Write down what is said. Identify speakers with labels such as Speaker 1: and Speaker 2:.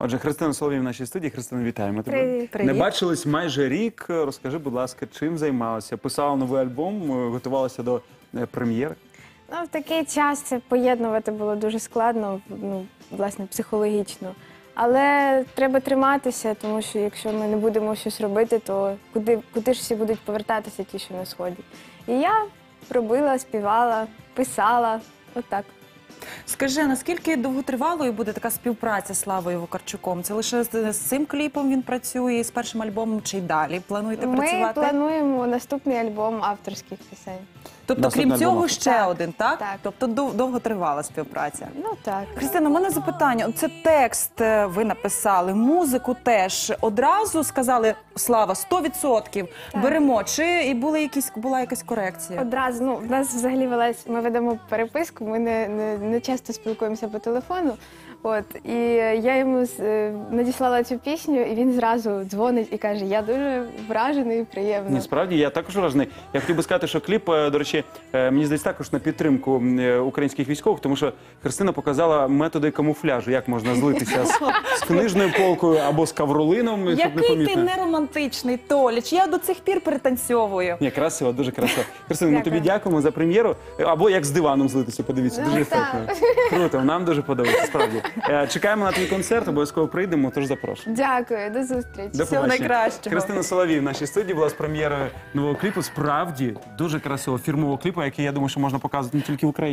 Speaker 1: Отже, Христина Соловій в нашій студії. Христина, вітаємо тебе.
Speaker 2: Привіт.
Speaker 1: Не бачились майже рік. Розкажи, будь ласка, чим займалася? Писала новий альбом, готувалася до прем'єри?
Speaker 2: Ну, в такий час це поєднувати було дуже складно, власне, психологічно. Але треба триматися, тому що якщо ми не будемо щось робити, то куди ж всі будуть повертатися ті, що на Сході? І я робила, співала, писала, отак.
Speaker 3: Скажи, а наскільки довготривалою буде така співпраця з Славою Вакарчуком? Це лише з цим кліпом він працює, з першим альбомом, чи й далі плануєте працювати?
Speaker 2: Ми плануємо наступний альбом авторських пісень.
Speaker 3: Тобто,
Speaker 1: Наступний
Speaker 3: крім цього,
Speaker 1: альбом.
Speaker 3: ще
Speaker 2: Так,
Speaker 3: один, так?
Speaker 2: так.
Speaker 3: Тобто довготривала співпраця.
Speaker 2: Ну так.
Speaker 3: Христина, у мене запитання. Це текст ви написали, музику теж. Одразу сказали, Слава, 100% беремо. Чи і була якась корекція?
Speaker 2: Одразу, в нас взагалі ми ведемо переписку, ми не часто спілкуємося по телефону. І я йому надіслала цю пісню, і він зразу дзвонить і каже, я дуже вражений і приємно.
Speaker 1: Ні, справді, я також вражений. Я хотів би сказати, що кліп, до речі, мені здається, також на підтримку українських військових, тому що Христина показала методи камуфляжу, як можна злитися з книжною полкою або з кавролином, щоб не
Speaker 3: Який ти
Speaker 1: помітно.
Speaker 3: неромантичний, Толіч, я до цих пір перетанцьовую.
Speaker 1: Ні, красиво, дуже красиво. Христина, ми
Speaker 2: Дякую.
Speaker 1: тобі дякуємо за прем'єру. Або як з диваном злитися, подивіться,
Speaker 2: Ну,
Speaker 1: дуже
Speaker 2: так.
Speaker 1: ефектно. Круто, нам дуже подобається, справді. Чекаємо на твій концерт, обов'язково прийдемо, тож запрошую.
Speaker 2: Дякую, до зустрічі.
Speaker 1: До
Speaker 3: Всього
Speaker 1: побачення.
Speaker 3: найкращого.
Speaker 1: Христина Соловій в нашій студії була з прем'єрою нового кліпу. Справді, дуже красивого фірмового кліпу, який, я думаю, що можна показувати не тільки в Україні.